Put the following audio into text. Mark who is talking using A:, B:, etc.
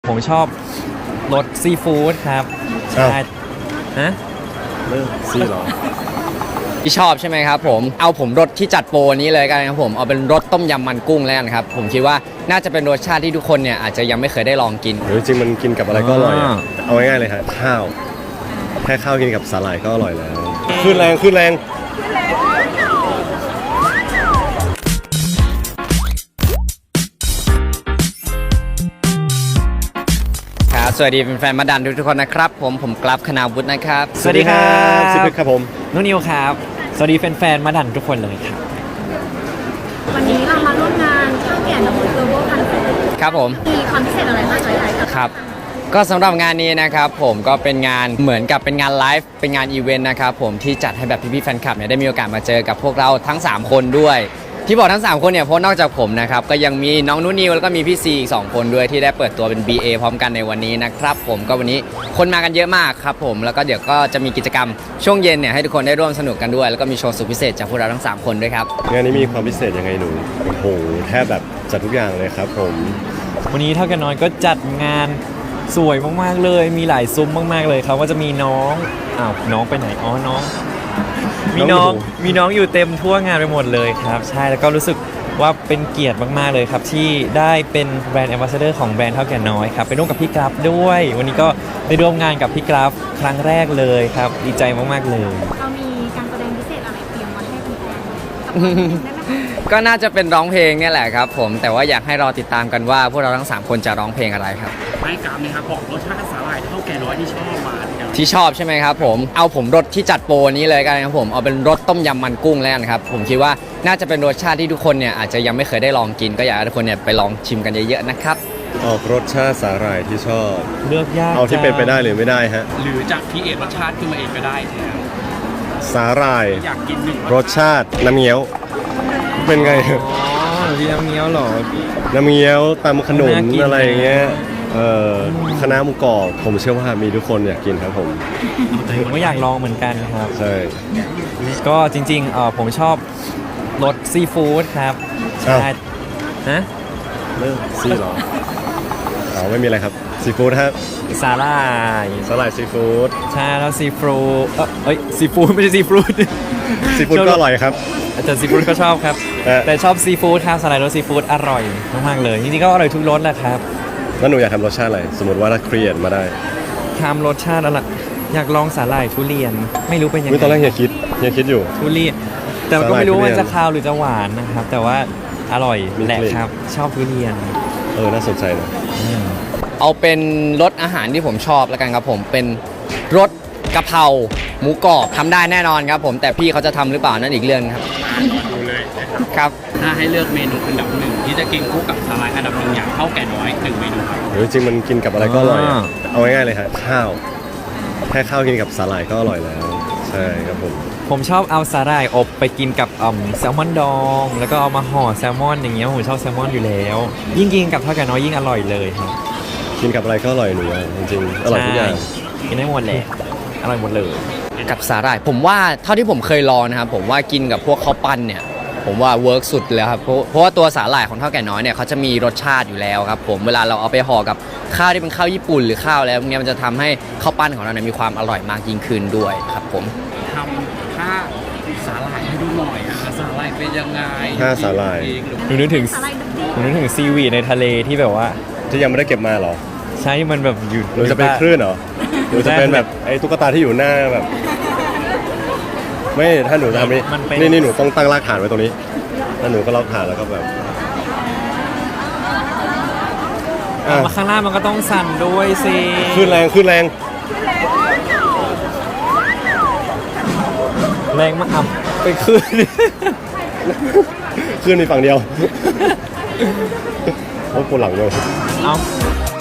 A: ผมชอบรสซีฟู้ดครับใช่ฮะ
B: เริ่มซีหรอ
C: ที่ชอบใช่ไหมครับผมเอาผมรสที่จัดโปรนี้เลยกันครับผมเอาเป็นรสต้มยำมันกุ้งแล้วกันครับผมคิดว่าน่าจะเป็นรสชาติที่ทุกคนเนี่ยอาจจะยังไม่เคยได้ลองกิน
B: หรือจริงมันกินกับอะไรก็อร่อยเอาง่ายๆเลยฮะข้าวแค่ข้าวกินกับสาหร่ายก็อร่อยแล้วขึ้นแรง
C: สวัสดีแฟนๆมาดันทุกคนนะครับผมกราฟคณาวุฒินะครับ
A: สวัสดีครับ
B: ซิปครับผม
A: นุ่นนิวครับสวัสดีแฟนๆมาดันทุกคนเลยครับ
D: วันนี้เรามาร่วมงานข้าวแก่นำมือเกอร์โบคันเซ็ปต์
C: ครับผม
D: มีความพิเศษอะไรบ้างไหม
C: ครับก็สำหรับงานนี้นะครับผมก็เป็นงานเหมือนกับเป็นงานไลฟ์เป็นงานอีเวนต์นะครับผมที่จัดให้แบบพี่ๆแฟนคลับเนี่ยได้มีโอกาสมาเจอกับพวกเราทั้ง3คนด้วยที่บอกทั้ง3คนเนี่ยเพราะนอกจากผมนะครับก็ยังมีน้องนุ่นนิวแล้วก็มีพี่ซีอีก2คนด้วยที่ได้เปิดตัวเป็น BA พร้อมกันในวันนี้นะครับผมก็วันนี้คนมากันเยอะมากครับผมแล้วก็เดี๋ยวก็จะมีกิจกรรมช่วงเย็นเนี่ยให้ทุกคนได้ร่วมสนุกกันด้วยแล้วก็มีโชว์สุดพิเศษจากพวกเราทั้ง3คนด้วยครับ
B: งานนี้มีความพิเศษยังไงหนูโอ้โหแทบแบบจัดทุกอย่างเลยครับผม
A: วันนี้เท่ากันน้อยก็จัดงานสวยมากๆเลยมีหลายซุ้มมากๆเลยครับว่าจะมีน้องน้องไปไหนน้องมีน้องอยู่เต็มทั่วงานไปหมดเลยครับใช่แล้วก็รู้สึกว่าเป็นเกียรติมากๆเลยครับที่ได้เป็นแบรนด์แอมบาสเดอร์ของแบรนด์เท่าแก่น้อยครับไปร่วมกับพี่กราฟด้วยวันนี้ก็ได้ร่วมงานกับพี่กราฟครั้งแรกเลยครับดีใจมากๆเลย
D: เรามีการแสดงพิเศษอะไรเตรียมไว้ให้แฟน
C: ๆก็น่าจะเป็นร้องเพลงเนี่ยแหละครับผมแต่ว่าอยากให้รอติดตามกันว่าพวกเราทั้ง3คนจะร้องเพลงอะไรครับ
E: ไม่กราฟนะครับบอกรสชาติสาหร่ายเท่าแก่น้อยที่ชอบมา
C: ที่ชอบใช่ไหมครับผมเอาผมรสที่จัดโปรนี้เลยกันครับผมเอาเป็นรสต้มยำมันกุ้งแล้วกันครับผมคิดว่าน่าจะเป็นรสชาติที่ทุกคนเนี่ยอาจจะยังไม่เคยได้ลองกินก็อยากให้ทุกคนเนี่ยไปลองชิมกันเยอะๆนะครับ
B: ออกรสชาติสาหร่ายที่ชอบ
A: เลือกยาก
B: เอาที่เป็นไปได้หรือไม่ได้ฮะ
E: หรือจากพีเอรสชาติขึ้นมาเองก็ได้แทน
B: สาหร่าย
E: อยากกินหนึ่ง
B: รสชาติน้ำเงี้ยวเป็นไง
A: ที่น้ำเงี้ยวหรอ
B: น้ำเงี้ยวตำขนุนอะไรอย่างเงี้ยคณะหมูกรอบผมเชื่อว่ามีทุกคนอยากกินครับผม
A: ก็อยากลองเหมือนกันครับ
B: ใช่
A: ก็จริงๆผมชอบรสซีฟู้ดครับใช่ฮะ
B: เริ่มซีหรอไม่มีอะไรครับซีฟู้ดครับ
A: สาหร่าย
B: ซีฟู้ด
A: ใช่แล้วซีฟู้ดซีฟู้ดไม่ใช่ซีฟู้ด
B: ซีฟู้ดก็อร่อยครับ
A: อาจารย์ซีฟู้ดก็ชอบครับแต่ชอบซีฟู้ดครับสาหร่ายรสซีฟู้ดอร่อยมากๆเลยจริงๆก็อร่อยทุกรสแหละครับ
B: แล้วหนูอยากทำรสชาติอะไรสมมติว่าถ้าครีเอทมาได้
A: ทำรสชาติอะไรอยากลองสาหร่ายทุเรียนไม่รู้เป็นยังไง
B: ตอนแรกเฮียคิดอยู่
A: ทุเรียนแต่ก็ไม่รู้ว่าจะคาวหรือจะหวานนะครับแต่ว่าอร่อยแหละครับชอบทุเรียน
B: น่าสนใจนะ
C: เอาเป็นรสอาหารที่ผมชอบแล้วกันครับผมเป็นรสกะเพราหมูกรอบทำได้แน่นอนครับผมแต่พี่เขาจะทำหรือเปล่านั่นอีกเรื่องครับ
E: ดูเลย
C: ครับ
E: ถ้าให้เลือกเมนูอันดับหนึ่งที่จะกินคู่กับสาหร่ายอันดับหนึ่งอย่างเท่าแก่น้อย1เมนูครับ
B: หรือจริงมันกินกับอะไรก็อร่อยเอาง่ายๆเลยฮะข้าวแค่ข้าวกินกับสาหร่ายก็อร่อยแล้วใช่ครับ
A: ผมชอบเอาสาหร่ายอบไปกินกับแซลมอนดองแล้วก็เอามาห่อแซลมอนอย่างเงี้ยผมชอบแซลมอนอยู่แล้วยิ่งกินกับเท่าแก่น้อยยิ่งอร่อยเลยครับ
B: กินกับอะไรก็อร่อยหนูจริงๆอร่อยทุกอย่าง
A: กินได้หมดแหละอร่อยหมดเลย
C: กับสาหร่ายผมว่าเท่าที่ผมเคยลองนะครับผมว่ากินกับพวกข้าวปั้นเนี่ยผมว่าเวิร์กสุดเลยครับเพราะว่าตัวสาหร่ายของเท่าแก่น้อยเนี่ยเขาจะมีรสชาติอยู่แล้วครับผมเวลาเราเอาไปห่อกับข้าวที่เป็นข้าวญี่ปุ่นหรือข้าวแล้วเนี่ยมันจะทำให้ข้าวปั้นของเราเนี่ยมีความอร่อยมากยิ่งขึ้นด้วยครับผม
E: ทำท่าสาหร่ายให้ดูหน่อยสาหร่ายเป็นยังไง
B: ท่าสาหร่าย
A: นึกถึงซีวีในทะเลที่แบบว่า
B: ที่ยังไม่ได้เก็บมาหรอ
A: ใช่มันแบบอยู่
B: หรือจะเป็นคลื่นเหรอหรือจะเป็นแบบไอ้ตุ๊กตาที่อยู่หน้าแบบไม่ถ้าหนูทำนี่หนูต้องตั้งรากฐานไว้ตรงนี้แล้วหนูก็รากฐานแล้วก็แบบ
A: มาข้างล่างมันก็ต้องสั่นด้วยสิ
B: ขึ้นแรง
A: มากไปขึ้
B: นในฝั่งเดียวโอ้ปวดหลังเลย
A: เอา